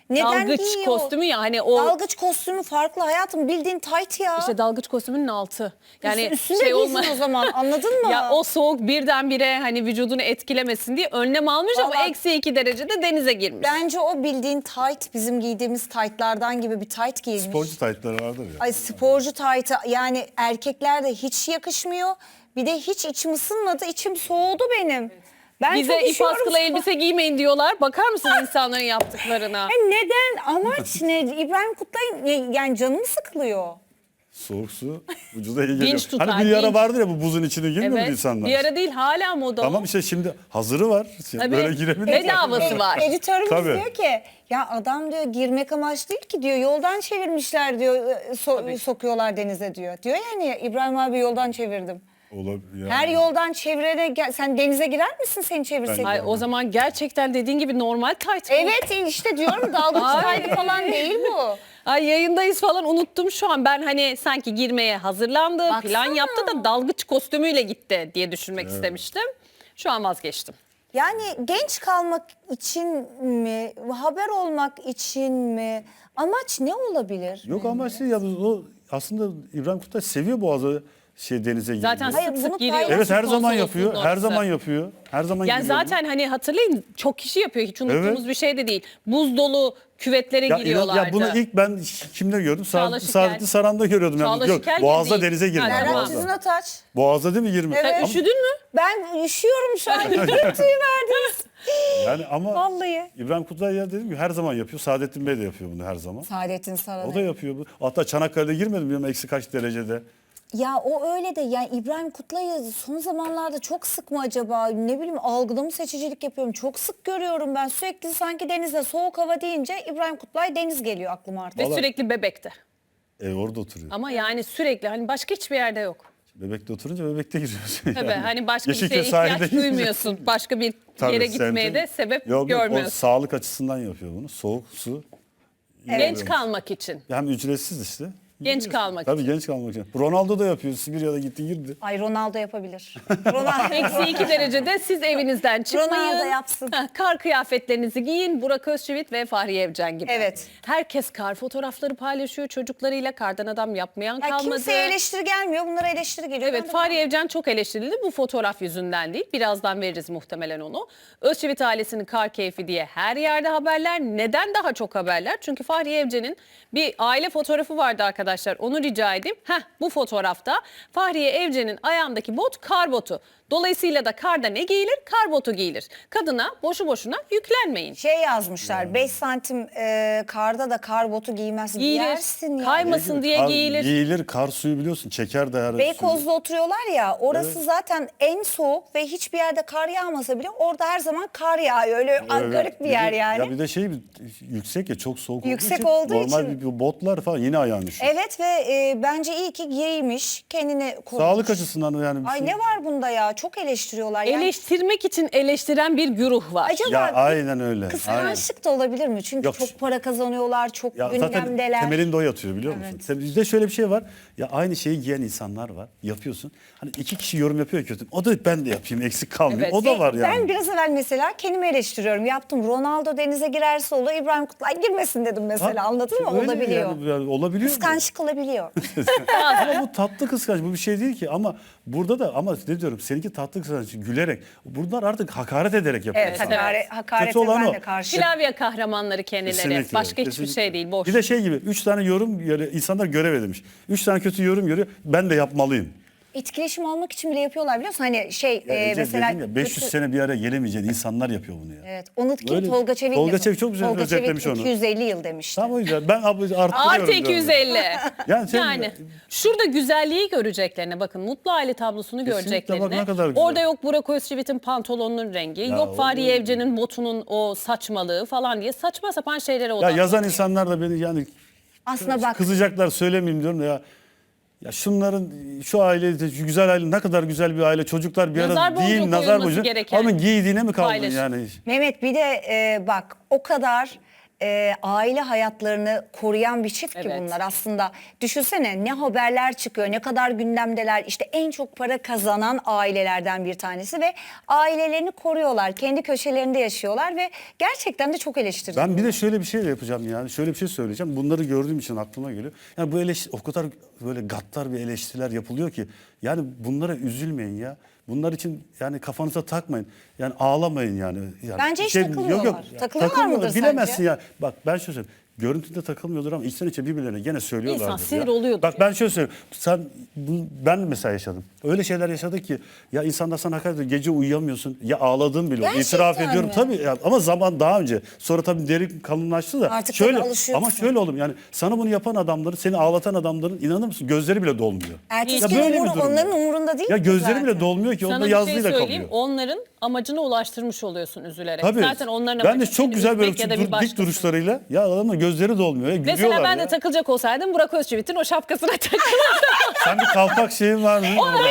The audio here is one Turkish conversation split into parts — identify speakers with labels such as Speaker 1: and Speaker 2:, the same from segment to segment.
Speaker 1: Neden
Speaker 2: dalgıç
Speaker 1: giyiyor?
Speaker 2: kostümü ya hani o
Speaker 1: Dalgıç kostümü farklı hayatım, bildiğin tayt ya.
Speaker 2: işte dalgıç kostümünün altı. Yani
Speaker 1: Üstünde
Speaker 2: şey
Speaker 1: giysin
Speaker 2: olma.
Speaker 1: o zaman, anladın mı?
Speaker 2: Ya o soğuk birdenbire hani vücudunu etkilemesin diye önlem almış ama
Speaker 1: Vallahi-
Speaker 2: -2 derecede denize girmiş.
Speaker 1: Bence o bildiğin tayt, bizim giydiğimiz taytlardan gibi bir tayt giymiş.
Speaker 3: Sporcu taytları vardır ya.
Speaker 1: Ay sporcu taytı, yani erkeklerde hiç yakışmıyor. Bir de hiç içim ısınmadı, içim soğudu benim. Ben
Speaker 2: Bize
Speaker 1: çok
Speaker 2: ip
Speaker 1: üşüyorum
Speaker 2: askılı
Speaker 1: şu an.
Speaker 2: elbise giymeyin diyorlar. Bakar mısın insanların yaptıklarına?
Speaker 1: Neden? Amaç ne? İbrahim Kutlay'ın yani canı mı sıkılıyor?
Speaker 3: Soğuk su vücuda iyi geliyor.
Speaker 2: Dinç tutar,
Speaker 3: Hani bir ara
Speaker 2: dinç.
Speaker 3: vardır ya, bu buzun içine girmiyor mu
Speaker 2: Evet.
Speaker 3: insanlar?
Speaker 2: Bir ara değil, hala moda.
Speaker 3: Tamam işte şimdi hazırı var.
Speaker 2: Tabii.
Speaker 3: Böyle girebilir.
Speaker 2: Bedavası var.
Speaker 1: Editörümüz
Speaker 3: Tabii.
Speaker 1: diyor ki ya adam diyor girmek amaç değil ki diyor, yoldan çevirmişler diyor, sokuyorlar denize diyor. Diyor yani İbrahim abi yoldan çevirdim.
Speaker 3: Olabilir. Yani.
Speaker 1: Her yoldan çevirene sen denize girer misin seni çevirseydi?
Speaker 2: Ay, o zaman gerçekten dediğin gibi normal tayt. bu.
Speaker 1: Evet işte diyorum, dalgıç
Speaker 2: Ay.
Speaker 1: taytı falan değil bu.
Speaker 2: Ay yayındayız falan, unuttum şu an. Ben hani sanki girmeye hazırlandı, plan
Speaker 1: Baksana.
Speaker 2: yaptı da dalgıç kostümüyle gitti diye düşünmek istemiştim. Şu an vazgeçtim.
Speaker 1: Yani genç kalmak için mi, haber olmak için mi? Amaç ne olabilir?
Speaker 3: Yok ama şey ya, o aslında İbrahim Kutay seviyor Boğaz'a denize girmeyi.
Speaker 2: Zaten
Speaker 1: Hayır,
Speaker 2: sık
Speaker 1: bunu
Speaker 2: sık giriyor.
Speaker 3: Evet, her zaman
Speaker 2: Konsolosluğun
Speaker 3: yapıyor. Her
Speaker 2: orası.
Speaker 3: zaman yapıyor. Her zaman
Speaker 2: Yani
Speaker 3: giriyor.
Speaker 2: zaten hani hatırlayın, çok kişi yapıyor. Hiç unuttuğumuz
Speaker 3: Evet.
Speaker 2: bir şey de değil. Buz dolu küvetlere
Speaker 3: Ya,
Speaker 2: giriyorlardı.
Speaker 3: ya bunu ilk ben kimde gördüm?
Speaker 2: Çağla Şikel.
Speaker 3: Saadetli Saran'da görüyordum.
Speaker 2: Çağla
Speaker 3: Yani.
Speaker 2: Şikel
Speaker 3: Yok, Boğaz'da
Speaker 2: değil.
Speaker 3: denize girdi.
Speaker 2: Ha,
Speaker 1: Serhat
Speaker 2: tamam.
Speaker 1: Tüzün Ataç.
Speaker 3: Boğaz'da değil mi 20?
Speaker 1: Evet.
Speaker 2: Sen üşüdün mü?
Speaker 1: Ben üşüyorum şu an. Tüy verdiniz.
Speaker 3: Yani ama
Speaker 1: Vallahi.
Speaker 3: İbrahim Kutay ya dedim ki her zaman yapıyor. Saadettin Bey de yapıyor bunu her zaman.
Speaker 1: Saadettin Saran.
Speaker 3: O da yapıyor bu. Hatta Çanakkale'de girmedim bilmiyorum eksi kaç derecede.
Speaker 1: Ya o öyle de, yani İbrahim Kutlay'ı son zamanlarda çok sık mı acaba, ne bileyim, algıda mı seçicilik yapıyorum, çok sık görüyorum ben, sürekli sanki denize soğuk hava deyince İbrahim Kutlay deniz geliyor aklıma artık.
Speaker 2: Ve
Speaker 3: Vallahi-
Speaker 2: sürekli Bebek'te.
Speaker 3: Orada oturuyor.
Speaker 2: Ama yani sürekli, hani başka hiçbir yerde yok.
Speaker 3: Bebekte oturunca bebekte giriyorsun.
Speaker 2: Tabii
Speaker 3: yani.
Speaker 2: hani başka bir
Speaker 3: Yeşilköy
Speaker 2: şeye ihtiyaç
Speaker 3: sahilde girince-
Speaker 2: duymuyorsun. Başka bir
Speaker 3: Tabii,
Speaker 2: yere gitmeye
Speaker 3: semtin-
Speaker 2: de sebep
Speaker 3: Yok, o
Speaker 2: görmüyorsun.
Speaker 3: sağlık açısından yapıyor bunu. Soğuk su.
Speaker 2: Genç kalmak için.
Speaker 3: Hem ücretsiz işte.
Speaker 2: Genç kalmak
Speaker 3: Tabii genç kalmak için. Ronaldo da yapıyor. Sibirya'da gitti girdi.
Speaker 1: Ay Ronaldo yapabilir. Ronaldo.
Speaker 2: -2 derecede siz evinizden çıkmayın.
Speaker 1: Ronaldo yapsın.
Speaker 2: Kar kıyafetlerinizi giyin. Burak Özçivit ve Fahriye Evcen gibi.
Speaker 1: Evet.
Speaker 2: Herkes kar fotoğrafları paylaşıyor çocuklarıyla. Kardan adam yapmayan
Speaker 1: Ya
Speaker 2: kalmadı.
Speaker 1: kimseye eleştiri gelmiyor, bunlara eleştiri geliyor.
Speaker 2: Evet,
Speaker 1: Ben de-
Speaker 2: Fahriye Evcen çok eleştirildi. Bu fotoğraf yüzünden değil. Birazdan veririz muhtemelen onu. Özçivit ailesinin kar keyfi diye her yerde haberler. Neden daha çok haberler? Çünkü Fahriye Evcen'in bir aile fotoğrafı vardı arkadaşlar. Onu rica edeyim. Bu fotoğrafta Fahriye Evcen'in ayağındaki bot kar botu. Dolayısıyla da karda ne giyilir? Kar botu giyilir. Kadına boşu boşuna yüklenmeyin.
Speaker 1: Şey yazmışlar, 5 santim karda da kar botu giymez.
Speaker 2: Giyilir.
Speaker 1: Giyersin ya.
Speaker 2: Kaymasın diye
Speaker 3: Kar-
Speaker 2: giyilir.
Speaker 3: Giyilir. Kar suyu biliyorsun. Çeker de her
Speaker 1: Beykoz'da oturuyorlar ya, orası zaten en soğuk ve hiçbir yerde kar yağmasa bile orada her zaman kar yağıyor. Öyle
Speaker 3: Evet.
Speaker 1: garip bir yer yani.
Speaker 3: Ya bir de yüksek ya, çok soğuk
Speaker 1: Yüksek
Speaker 3: olduğu
Speaker 1: olduğu
Speaker 3: için. Normal
Speaker 1: için.
Speaker 3: bir botlar falan yine ayağın üşür.
Speaker 1: Evet ve bence iyi ki giymiş, kendini korumuş.
Speaker 3: Sağlık açısından yani. bir
Speaker 1: Ay
Speaker 3: şey-
Speaker 1: ne var bunda ya, çok eleştiriyorlar. Yani
Speaker 2: Eleştirmek için eleştiren bir güruh var.
Speaker 1: acaba
Speaker 3: Ya aynen öyle. Aynen.
Speaker 1: kıskançlık da olabilir mi? Çünkü
Speaker 3: Yok.
Speaker 1: çok para kazanıyorlar, çok
Speaker 3: Ya zaten
Speaker 1: gündemdeler.
Speaker 3: temelinde o yatıyor biliyor musun? Bizde şöyle bir şey var. Ya aynı şeyi giyen insanlar var. Yapıyorsun. Hani iki kişi yorum yapıyor kötü. O da ben de yapayım, eksik kalmayayım.
Speaker 2: Evet.
Speaker 3: O da var yani.
Speaker 1: Ben biraz evvel mesela kendimi eleştiriyorum. Yaptım. Ronaldo denize girerse olur, İbrahim Kutlay girmesin dedim mesela.
Speaker 3: Ha,
Speaker 1: Anladın mı?
Speaker 3: öyle
Speaker 1: Olabiliyor.
Speaker 3: yani olabiliyor.
Speaker 1: Kıskançlık olabiliyor.
Speaker 3: Ama bu tatlı kıskanç, bu bir şey değil ki, ama burada da, ama ne diyorum, seninki tatlı kıskanç, gülerek. Bunlar artık hakaret ederek yapıyor.
Speaker 1: Evet,
Speaker 3: insanlar.
Speaker 1: hakarete
Speaker 3: Kötü olan
Speaker 1: ben
Speaker 3: o.
Speaker 1: de karşıyım.
Speaker 2: Klavye kahramanları kendileri.
Speaker 3: Kesinlikle,
Speaker 2: Başka hiçbir
Speaker 3: kesinlikle.
Speaker 2: şey değil. Boş.
Speaker 3: Bir de şey gibi 3 tane yorum insanlar görev edinmiş. 3 tane kötü yorum görüyor. Ben de yapmalıyım.
Speaker 1: Etkileşim almak için bile yapıyorlar biliyor musun? Hani
Speaker 3: Ece,
Speaker 1: mesela
Speaker 3: dedim ya, 500
Speaker 1: kötü-
Speaker 3: sene bir araya gelemeyeceğin insanlar yapıyor bunu ya.
Speaker 1: Evet. Onu kim?
Speaker 3: Öyle.
Speaker 1: Tolga Çevik
Speaker 3: Tolga
Speaker 1: yapıyor.
Speaker 3: Çevik çok güzel
Speaker 1: Tolga
Speaker 3: özetlemiş
Speaker 1: Çevik
Speaker 3: onu.
Speaker 1: 250 yıl demişti.
Speaker 3: Tamam, o yüzden ben arttırıyorum.
Speaker 2: Artı
Speaker 3: biraz.
Speaker 2: 250.
Speaker 3: Yani sen-
Speaker 2: Yani şurada güzelliği göreceklerine bakın. Mutlu aile tablosunu
Speaker 3: Kesinlikle,
Speaker 2: göreceklerine.
Speaker 3: bak ne kadar güzel.
Speaker 2: Orada yok Burak Özçivit'in pantolonunun rengi.
Speaker 3: Ya
Speaker 2: yok
Speaker 3: o-
Speaker 2: Fahriye Evcen'in botunun o saçmalığı falan diye saçma sapan şeylere
Speaker 3: Ya
Speaker 2: odaklanıyor.
Speaker 3: yazan insanlar da beni yani
Speaker 1: Aslında bak,
Speaker 3: kızacaklar, söylemeyeyim diyorum da ya şunların, şu aile, şu güzel aile ne kadar güzel bir aile, çocuklar bir
Speaker 2: Nazar
Speaker 3: arada
Speaker 2: boncuğu
Speaker 3: değil, nazar
Speaker 2: koyulması
Speaker 3: boncuğu.
Speaker 2: gereken
Speaker 3: Onun giydiğine mi kaldın
Speaker 2: paylaşım.
Speaker 3: yani?
Speaker 1: Mehmet bir de bak o kadar aile hayatlarını koruyan bir çift ki
Speaker 2: Evet.
Speaker 1: bunlar aslında. Düşünsene ne haberler çıkıyor, ne kadar gündemdeler. İşte en çok para kazanan ailelerden bir tanesi ve ailelerini koruyorlar. Kendi köşelerinde yaşıyorlar ve gerçekten de çok eleştiriliyor.
Speaker 3: Ben bir de şöyle bir şey de yapacağım yani. Şöyle bir şey söyleyeceğim. Bunları gördüğüm için aklıma geliyor. Yani bu o kadar böyle gaddar bir eleştiriler yapılıyor ki. Yani bunlara üzülmeyin ya. Bunlar için yani kafanıza takmayın. Yani ağlamayın yani.
Speaker 1: Bence hiç takılmıyorlar. Takılıyorlar mıdır
Speaker 3: Bilemezsin
Speaker 1: sence?
Speaker 3: ya. Bak ben şöyle söyleyeyim. Görüntüde takılmıyordur ama içten içe birbirlerine gene söylüyorlardır.
Speaker 2: İnsan sinir
Speaker 3: ya.
Speaker 2: oluyordur
Speaker 3: Bak
Speaker 2: ya.
Speaker 3: ben şöyle söyleyeyim. Ben mesela yaşadım. Öyle şeyler yaşadık ki ya insanlar sana hakaret ediyor. Gece uyuyamıyorsun. Ya ağladığın bile oldu.
Speaker 1: Gerçekten
Speaker 3: İtiraf ediyorum.
Speaker 1: mi?
Speaker 3: Tabii ya, ama zaman daha önce. Sonra tabii derin kalınlaştı da.
Speaker 1: Artık
Speaker 3: şöyle,
Speaker 1: tabii alışıyorsun.
Speaker 3: ama şöyle oğlum yani sana bunu yapan adamların, seni ağlatan adamların inanır mısın gözleri bile dolmuyor.
Speaker 1: Ertesi
Speaker 3: Ya
Speaker 1: gün
Speaker 3: böyle bir durum
Speaker 1: onların
Speaker 3: ya.
Speaker 1: umurunda değil
Speaker 3: Ya
Speaker 1: ki
Speaker 3: gözleri
Speaker 1: zaten.
Speaker 3: bile dolmuyor ki.
Speaker 2: Sana
Speaker 3: Onda
Speaker 2: bir şey
Speaker 3: yazlıyla
Speaker 2: söyleyeyim.
Speaker 3: kalıyor.
Speaker 2: Onların amacına ulaştırmış oluyorsun üzülerek.
Speaker 3: Tabii.
Speaker 2: Zaten onların
Speaker 3: Ben de
Speaker 2: amacı
Speaker 3: çok
Speaker 2: seni
Speaker 3: güzel böyle
Speaker 2: üzmek ya da bir
Speaker 3: dik
Speaker 2: başkasını.
Speaker 3: duruşlarıyla ya adamın gözleri dolmuyor. Ya, gülüyorlar
Speaker 2: Mesela ben
Speaker 3: ya.
Speaker 2: de takılacak olsaydım Burak Özçivit'in o şapkasına takılırdım.
Speaker 3: Sen bir kalpak şeyin var mı?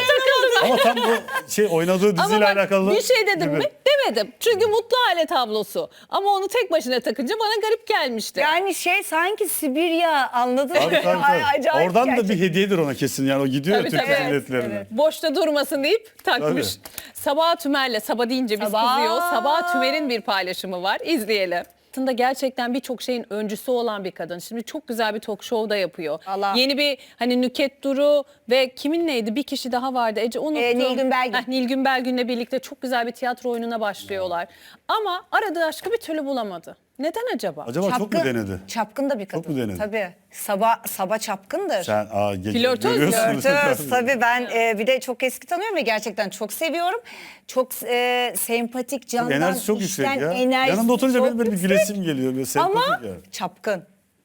Speaker 3: Ama tam bu oynadığı
Speaker 2: Ama
Speaker 3: diziyle
Speaker 2: bak,
Speaker 3: alakalı.
Speaker 2: bir şey dedim
Speaker 3: gibi.
Speaker 2: mi? Demedim. Çünkü mutlu aile tablosu. Ama onu tek başına takınca bana garip gelmişti.
Speaker 1: Yani sanki Sibirya anladın mı?
Speaker 3: Tabii, tabii,
Speaker 1: Ay,
Speaker 3: tabii.
Speaker 1: acayip
Speaker 3: Oradan da
Speaker 1: gerçekten.
Speaker 3: bir hediyedir ona kesin yani o gidiyor
Speaker 2: Tabii,
Speaker 3: ya Türk
Speaker 2: tabii.
Speaker 3: milletlerine.
Speaker 2: Boşta durmasın deyip takmış.
Speaker 3: Tabii.
Speaker 2: Sabah Tümer'le, Sabah deyince biz
Speaker 1: Sabah.
Speaker 2: kızıyor. Sabah Tümer'in bir paylaşımı var. İzleyelim. Aslında gerçekten birçok şeyin öncüsü olan bir kadın. Şimdi çok güzel bir talk show da yapıyor.
Speaker 1: Allah.
Speaker 2: Yeni bir Nüket Duru ve kimin neydi? Bir kişi daha vardı. Ece unuttum.
Speaker 1: Nilgün Belgün.
Speaker 2: Nilgün Belgün'le birlikte çok güzel bir tiyatro oyununa başlıyorlar. Ama aradığı aşkı bir türlü bulamadı. Neden acaba?
Speaker 3: Acaba çok mu denedi?
Speaker 1: Çapkın da bir kadın.
Speaker 3: Çok mu denedi?
Speaker 1: Tabii. Sabah çapkındır.
Speaker 3: Sen
Speaker 2: Flörtöz,
Speaker 3: görüyorsun.
Speaker 1: Flörtöz. Tabii ben bir de çok eski tanıyorum ve gerçekten çok seviyorum. Çok sempatik, candan,
Speaker 3: Enerjisi çok yüksek
Speaker 1: içten
Speaker 3: ya.
Speaker 1: enerjisi
Speaker 3: Yanında oturunca
Speaker 1: çok
Speaker 3: benim böyle bir
Speaker 1: yüksek.
Speaker 3: gülesim geliyor. Böyle
Speaker 1: Ama
Speaker 3: sempatik ya.
Speaker 1: çapkın.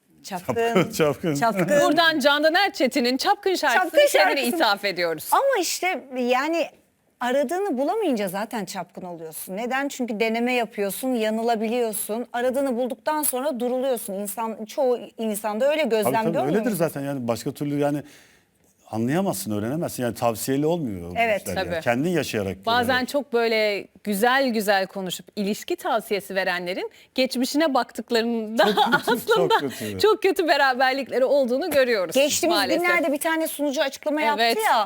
Speaker 3: Çapkın.
Speaker 1: Çapkın.
Speaker 2: Buradan Candan Erçetin'in Çapkın şarkısını
Speaker 1: Çapkın
Speaker 2: kendine
Speaker 1: şarkısını-
Speaker 2: ithaf ediyoruz.
Speaker 1: Ama işte yani aradığını bulamayınca zaten çapkın oluyorsun. Neden? Çünkü deneme yapıyorsun, yanılabiliyorsun. Aradığını bulduktan sonra duruluyorsun. Çoğu insanda öyle
Speaker 3: Tabii,
Speaker 1: gözlem görmüyor
Speaker 3: öyledir
Speaker 1: musun?
Speaker 3: zaten yani başka türlü yani anlayamazsın, öğrenemezsin. Yani tavsiyeli olmuyor. bu
Speaker 1: Evet,
Speaker 3: işler yani.
Speaker 2: tabii.
Speaker 3: Kendin yaşayarak.
Speaker 2: Bazen
Speaker 3: görerek.
Speaker 2: çok böyle güzel güzel konuşup ilişki tavsiyesi verenlerin geçmişine baktıklarında aslında çok kötü.
Speaker 3: kötü.
Speaker 2: beraberlikleri olduğunu görüyoruz
Speaker 1: Geçtiğimiz
Speaker 2: maalesef.
Speaker 1: günlerde bir tane sunucu açıklama yaptı
Speaker 2: Evet.
Speaker 1: ya.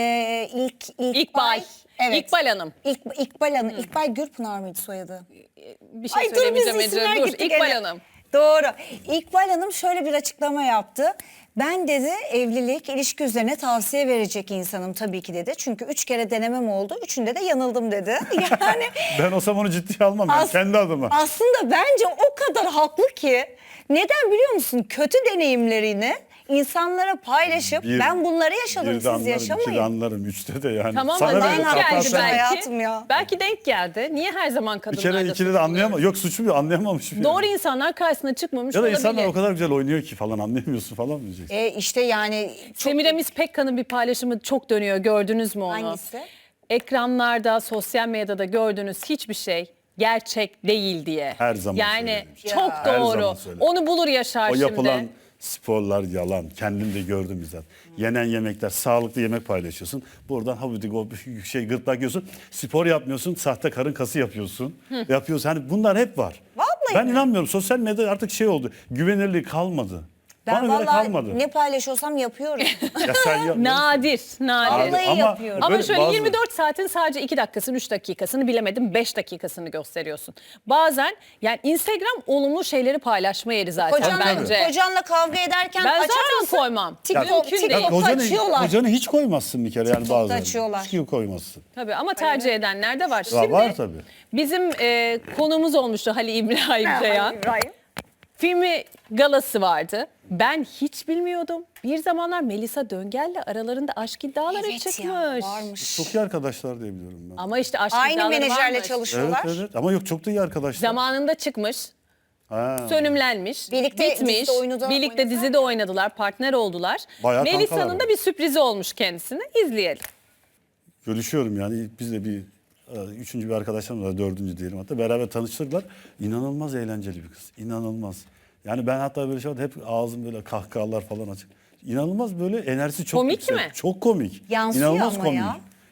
Speaker 2: İkbal.
Speaker 1: Evet.
Speaker 2: İkbal Hanım.
Speaker 1: İkbal Hanım. İkbal Gürpınar mıydı soyadı?
Speaker 2: Bir şey
Speaker 1: Ay dur biz
Speaker 2: söylemeyeceğim
Speaker 1: isimler
Speaker 2: Ece. Dur
Speaker 1: gittik.
Speaker 2: İkbal
Speaker 1: Evet.
Speaker 2: Hanım.
Speaker 1: Doğru. İkbal Hanım şöyle bir açıklama yaptı. Ben dedi evlilik, ilişki üzerine tavsiye verecek insanım tabii ki dedi. Çünkü 3 kere denemem oldu. 3'ünde de yanıldım dedi. Yani
Speaker 3: Ben olsam onu ciddiye almam yani kendi adıma.
Speaker 1: aslında bence o kadar haklı ki. Neden biliyor musun? Kötü deneyimlerini insanlara paylaşıp ben bunları yaşadım
Speaker 3: bir de
Speaker 1: siz
Speaker 3: anlarım,
Speaker 1: yaşamayın.
Speaker 3: 2'de anlarım, 3'te de yani.
Speaker 2: Tamam
Speaker 3: Sana
Speaker 2: da
Speaker 3: böyle
Speaker 2: denk geldi
Speaker 3: kapatsın.
Speaker 2: belki.
Speaker 1: hayatım ya.
Speaker 2: Belki denk geldi. Niye her zaman
Speaker 3: Bir
Speaker 2: kadınlarda
Speaker 3: kere 2'de de
Speaker 2: suçluyoruz?
Speaker 3: anlayamam. Yok suçum yok, anlayamamış.
Speaker 2: Doğru insanlar karşısına çıkmamış
Speaker 3: Ya da
Speaker 2: olabilir.
Speaker 3: insanlar o kadar güzel oynuyor ki falan anlayamıyorsun falan diyeceksin.
Speaker 1: İşte yani çok
Speaker 2: Semiramis Pekka'nın bir paylaşımı çok dönüyor. Gördünüz mü onu?
Speaker 1: Hangisi?
Speaker 2: Ekranlarda, sosyal medyada gördüğünüz hiçbir şey gerçek değil diye.
Speaker 3: Her zaman
Speaker 2: Yani
Speaker 3: söylerim.
Speaker 2: çok
Speaker 3: Her zaman
Speaker 2: doğru.
Speaker 3: söylerim.
Speaker 2: Onu bulur yaşar
Speaker 3: O
Speaker 2: şimdi.
Speaker 3: yapılan sporlar yalan. Kendim de gördüm bizzat. Yenen yemekler, sağlıklı yemek paylaşıyorsun. Buradan havudik o gırtlak yiyorsun. Spor yapmıyorsun, sahte karın kası yapıyorsun. Yapıyorsun. Hani bunlar hep var.
Speaker 1: Vallahi
Speaker 3: ben
Speaker 1: mi?
Speaker 3: inanmıyorum. Sosyal medya artık oldu. Güvenirliği kalmadı.
Speaker 1: ben
Speaker 3: Bana göre
Speaker 1: vallahi
Speaker 3: kalmadı.
Speaker 1: ne paylaşıyorsam yapıyorum.
Speaker 3: Ya sen yapmıyorsun.
Speaker 2: Nadir, nadir.
Speaker 1: Vallahi yapıyorum.
Speaker 2: Ama
Speaker 3: böyle
Speaker 2: şöyle
Speaker 3: bazı-
Speaker 2: 24 saatin sadece 2 dakikasını, 3 dakikasını bilemedim 5 dakikasını gösteriyorsun. Bazen yani Instagram olumlu şeyleri paylaşma yeri zaten bence.
Speaker 1: Kocanla kavga ederken
Speaker 2: Ben
Speaker 1: açar
Speaker 2: zaten
Speaker 1: mısın?
Speaker 2: koymam.
Speaker 1: TikTok,
Speaker 2: Mümkün
Speaker 1: TikTok
Speaker 2: değil.
Speaker 1: açıyorlar.
Speaker 3: Kocanı hiç koymazsın bir kere yani
Speaker 1: TikTok'ta
Speaker 3: bazen.
Speaker 1: açıyorlar.
Speaker 3: Hiç koymazsın.
Speaker 2: Tabii ama tercih edenler de var.
Speaker 3: Ya
Speaker 2: Şimdi
Speaker 3: var tabii.
Speaker 2: bizim konuğumuz olmuştu Halil İbrahim Ceyhan.
Speaker 1: İbrahim.
Speaker 2: Filmi galası vardı. Ben hiç bilmiyordum. Bir zamanlar Melisa Döngel'le aralarında aşk iddiaları
Speaker 1: Evet
Speaker 2: çıkmış.
Speaker 1: ya varmış.
Speaker 3: Çok iyi arkadaşlar diye biliyorum ben.
Speaker 2: Ama işte aşk
Speaker 1: Aynı
Speaker 2: iddiaları
Speaker 1: menajerle
Speaker 2: varmış.
Speaker 1: çalışıyorlar.
Speaker 3: Evet ama yok çok da iyi arkadaşlar.
Speaker 2: Zamanında çıkmış.
Speaker 3: Ha.
Speaker 2: Sönümlenmiş,
Speaker 1: Birlikte
Speaker 2: bitmiş,
Speaker 1: dizide oynadılar.
Speaker 2: birlikte dizide oynadılar, partner oldular.
Speaker 3: Bayağı
Speaker 2: Melisa'nın
Speaker 3: kankalar.
Speaker 2: da bir sürprizi olmuş kendisine. İzleyelim.
Speaker 3: Görüşüyorum yani biz de üçüncü bir arkadaşlarım var, dördüncü diyelim hatta beraber tanıştırdılar. İnanılmaz eğlenceli bir kız, inanılmaz. Yani ben hatta böyle şey vardı, hep ağzım böyle kahkahalar falan açık. İnanılmaz böyle enerjisi çok
Speaker 2: Komik
Speaker 3: yüksek.
Speaker 2: mi?
Speaker 3: Çok komik.
Speaker 1: Yansıyor
Speaker 3: İnanılmaz
Speaker 1: ama
Speaker 3: komik.
Speaker 1: ya.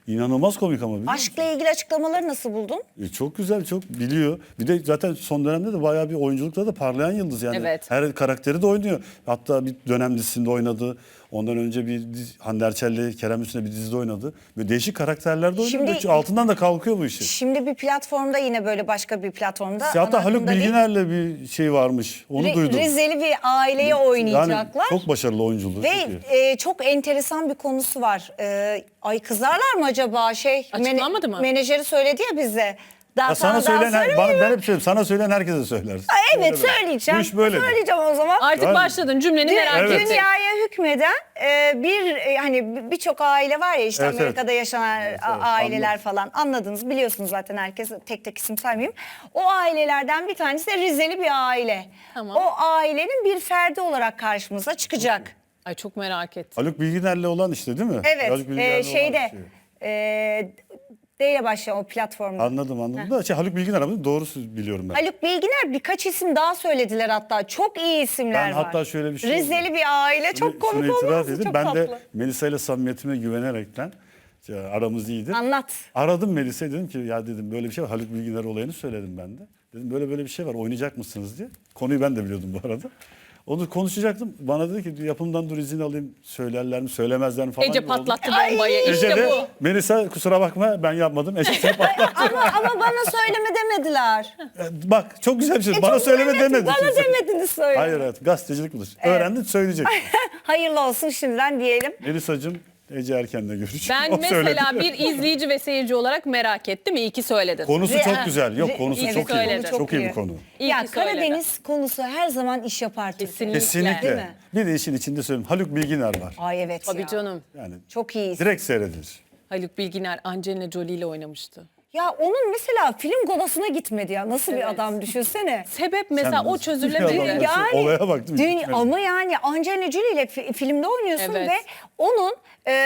Speaker 3: İnanılmaz komik ama biliyor musun?
Speaker 1: Aşkla ilgili açıklamaları nasıl buldun?
Speaker 3: Çok güzel, çok biliyor. Bir de zaten son dönemde de bayağı bir oyunculukta da parlayan yıldız yani.
Speaker 2: Evet.
Speaker 3: Her karakteri de oynuyor. Hatta bir dönem dizisinde oynadı. Ondan önce bir Hande Erçel'le Kerem Bürsin'le bir dizide oynadı. Böyle değişik karakterlerde oynuyor.
Speaker 1: Şimdi-
Speaker 3: Böyle altından da kalkıyor bu işi.
Speaker 1: Şimdi bir platformda, yine böyle başka bir platformda.
Speaker 3: Hatta
Speaker 1: ana
Speaker 3: Haluk
Speaker 1: akımda değil,
Speaker 3: Bilginer'le bir şey varmış. Onu duydum.
Speaker 1: Rizeli bir aileyi oynayacaklar.
Speaker 3: Yani çok başarılı oyunculuğu.
Speaker 1: Ve
Speaker 3: çok iyi.
Speaker 1: çok enteresan bir konusu var. Ay kızarlar mı acaba?
Speaker 2: Açıklanmadı mı?
Speaker 1: Menajeri söyledi ya bize. Daha
Speaker 3: Ya sana söyleyen, ben hep söyleyeyim, sana söyleyen herkese söylersin.
Speaker 1: Evet,
Speaker 3: Öyle böyle.
Speaker 1: söyleyeceğim.
Speaker 3: Bu iş böyle.
Speaker 1: Söyleyeceğim o zaman.
Speaker 2: Artık
Speaker 3: Yani-
Speaker 2: başladın cümleni merak
Speaker 3: Evet.
Speaker 2: ettik.
Speaker 1: Dünyaya hükmeden hani birçok aile var ya, işte
Speaker 3: Evet,
Speaker 1: Amerika'da yaşanan
Speaker 3: evet,
Speaker 1: aileler
Speaker 3: anladım.
Speaker 1: falan, anladınız, biliyorsunuz zaten, herkes, tek tek isim saymayayım. O ailelerden bir tanesi de Rizeli bir aile.
Speaker 2: Tamam.
Speaker 1: O ailenin bir ferdi olarak karşımıza çıkacak.
Speaker 2: Ay çok merak ettim.
Speaker 3: Haluk Bilginer'le olan işte değil mi?
Speaker 1: Evet,
Speaker 3: Haluk Bilginer'le olan
Speaker 1: şeyde
Speaker 3: şey.
Speaker 1: D ile başlayan o platformda.
Speaker 3: Anladım. Da doğrusu biliyorum ben.
Speaker 1: Haluk Bilginer, birkaç isim daha söylediler hatta. Çok iyi isimler
Speaker 3: Ben
Speaker 1: var.
Speaker 3: hatta şöyle bir şey
Speaker 1: Rizeli
Speaker 3: oldu.
Speaker 1: bir aile, çok
Speaker 3: Şunu
Speaker 1: komik
Speaker 3: itiraf
Speaker 1: olmaz mı?
Speaker 3: edeyim.
Speaker 1: Çok
Speaker 3: Ben
Speaker 1: tatlı.
Speaker 3: de Melisa ile samimiyetime güvenerekten, aramız iyiydi.
Speaker 1: Anlat.
Speaker 3: Aradım Melisa'yı, dedim ki ya dedim böyle bir şey var. Haluk Bilginer olayını söyledim ben de. Dedim böyle bir şey var, oynayacak mısınız diye. Konuyu ben de biliyordum bu arada. Onu konuşacaktım. Bana dedi ki yapımdan dur izin alayım, söylerler mi söylemezler mi falan.
Speaker 2: Ece
Speaker 3: gibi oldu.
Speaker 2: patlattı bombayı.
Speaker 3: Ece
Speaker 2: İşte
Speaker 3: de
Speaker 2: bu.
Speaker 3: Melisa kusura bakma ben yapmadım. Ece seni patlattı.
Speaker 1: ama bana söyleme demediler.
Speaker 3: Bak çok güzel bir şey.
Speaker 1: E,
Speaker 3: Bana
Speaker 1: çok
Speaker 3: söyleme
Speaker 1: evet,
Speaker 3: demedi.
Speaker 1: Bana
Speaker 3: kimse.
Speaker 1: demediniz söyle.
Speaker 3: Hayır evet, gazetecilik budur. Öğrendin söyleyecek.
Speaker 1: Hayırlı olsun şimdiden diyelim.
Speaker 3: Melisa'cığım Ece Erken'le görüş.
Speaker 2: Ben
Speaker 3: O söyledi.
Speaker 2: mesela bir izleyici ve seyirci olarak merak ettim. İyi ki söyledin.
Speaker 3: Konusu çok güzel. Yok konusu
Speaker 2: iyi
Speaker 3: çok iyi.
Speaker 2: söyledin.
Speaker 3: Çok iyi bir konu.
Speaker 2: İyi
Speaker 1: Ya
Speaker 2: ki söyledin.
Speaker 1: Karadeniz konusu her zaman iş yapar Türkiye'de.
Speaker 2: Kesinlikle.
Speaker 1: Değil
Speaker 3: Kesinlikle.
Speaker 1: mi?
Speaker 3: Bir de işin içinde söyleyeyim. Haluk Bilginer var.
Speaker 1: Ay evet
Speaker 2: Tabii
Speaker 1: ya.
Speaker 2: canım.
Speaker 3: Yani
Speaker 1: Çok iyi.
Speaker 3: direkt seyredilir.
Speaker 2: Haluk Bilginer Angelina Jolie ile oynamıştı.
Speaker 1: Ya onun mesela film galasına gitmedi ya. Nasıl bir
Speaker 2: Evet.
Speaker 1: adam, düşünsene.
Speaker 2: Sebep mesela
Speaker 3: Sen
Speaker 2: o
Speaker 3: nasıl bir
Speaker 2: çözülemedi.
Speaker 3: adam?
Speaker 1: Yani
Speaker 3: Olaya bak değil mi? Gitmedi.
Speaker 1: ama yani Angelina Jolie ile filmde oynuyorsun
Speaker 2: Evet.
Speaker 1: ve onun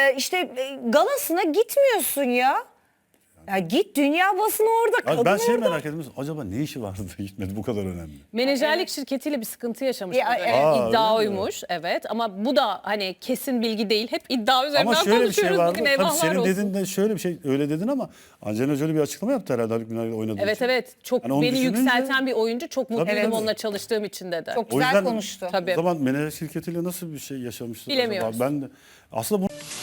Speaker 1: galasına gitmiyorsun ya. Ya git, dünya basını orada,
Speaker 3: Abi
Speaker 1: kadın
Speaker 3: ben şey
Speaker 1: orada.
Speaker 3: merak ediyorum. Acaba ne işi vardı da gitmedi, bu kadar önemli.
Speaker 2: Menajerlik şirketiyle bir sıkıntı yaşamış.
Speaker 1: Ya,
Speaker 2: bu dönem.
Speaker 1: evet.
Speaker 2: İddia
Speaker 3: Öyle mi?
Speaker 2: oymuş. Evet ama bu da hani kesin bilgi değil. Hep iddia üzerinden
Speaker 3: Ama şöyle bir şey
Speaker 2: konuşuyoruz
Speaker 3: vardı.
Speaker 2: bugün.
Speaker 3: Tabii
Speaker 2: Eyvahlar
Speaker 3: senin
Speaker 2: olsun.
Speaker 3: dediğin de şöyle bir şey, öyle dedin ama Angelina Jolie bir açıklama yaptı herhalde Haluk Bilginer'le oynadığı
Speaker 2: Evet
Speaker 3: için.
Speaker 2: evet. Çok
Speaker 3: Yani onu
Speaker 2: beni
Speaker 3: düşününce-
Speaker 2: yükselten bir oyuncu. Çok mutluyum
Speaker 3: Tabii.
Speaker 2: onunla çalıştığım için dedi.
Speaker 1: Çok
Speaker 3: O
Speaker 1: güzel
Speaker 3: yüzden
Speaker 1: konuştu.
Speaker 2: Tabii.
Speaker 3: O zaman menajer şirketiyle nasıl bir şey yaşamıştır
Speaker 2: Bilemiyoruz.
Speaker 3: acaba? Ben de aslında bu